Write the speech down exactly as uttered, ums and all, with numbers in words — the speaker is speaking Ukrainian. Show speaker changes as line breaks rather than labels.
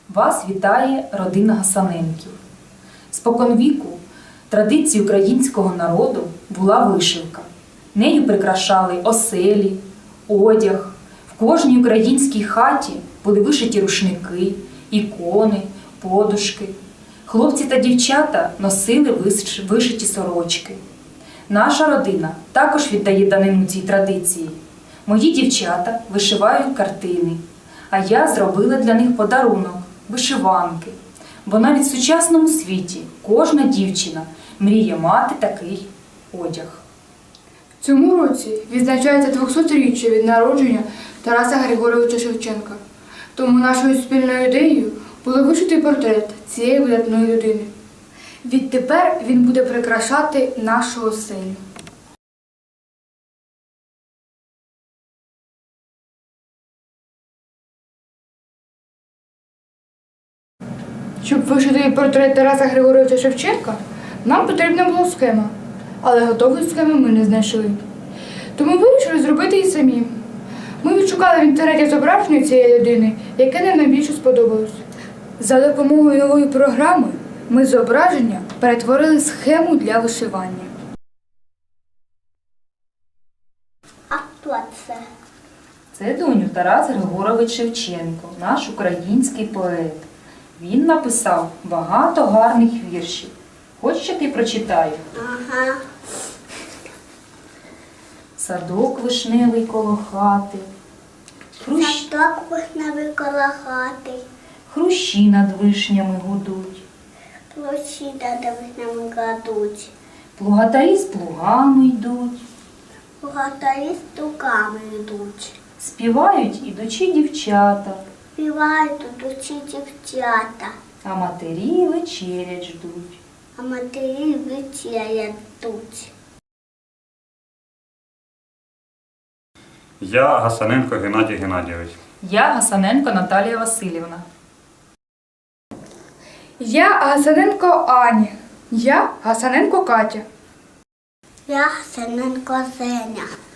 Вас вітає родина Гасаненків. Споконвіку традиції українського народу була вишивка. Нею прикрашали оселі, одяг. В кожній українській хаті були вишиті рушники, ікони, подушки. Хлопці та дівчата носили вишиті сорочки. Наша родина також віддає данину цій традиції. Мої дівчата вишивають картини, а я зробила для них подарунок – вишиванки. Бо навіть в сучасному світі кожна дівчина мріє мати такий одяг.
В цьому році відзначається двохсотріччя від народження Тараса Григоровича Шевченка. Тому нашою спільною ідеєю було вишити портрет цієї видатної людини. Відтепер він буде прикрашати нашу оселю. Щоб вишити портрет Тараса Григоровича Шевченка, нам потрібна була схема, але готової схеми ми не знайшли. Тому вирішили зробити її самі. Ми відшукали в інтернеті зображення цієї людини, яке нам найбільше сподобалось. За допомогою нової програми ми з зображення перетворили схему для вишивання.
А хто це?
Це, доню, Тарас Григорович Шевченко, наш український поет. Він написав багато гарних віршів. Хочеш, що ти прочитаю?
Ага.
Садок вишневий коло хати, хрущ...
Садок вишневий коло хати,
хрущі над вишнями гудуть,
площі над вишнями кладуть,
плугатарі з плугами йдуть,
богатарі з туками йдуть,
співають ідучі дівчата,
співають ідучі дівчата,
а матері вечерять ждуть.
а матері вечерять ждуть.
Я Гасаненко Геннадій Геннадійович.
Я Гасаненко Наталія Васильівна.
Я Гасаненко Аня. Я Гасаненко Катя.
Я Гасаненко Зеня.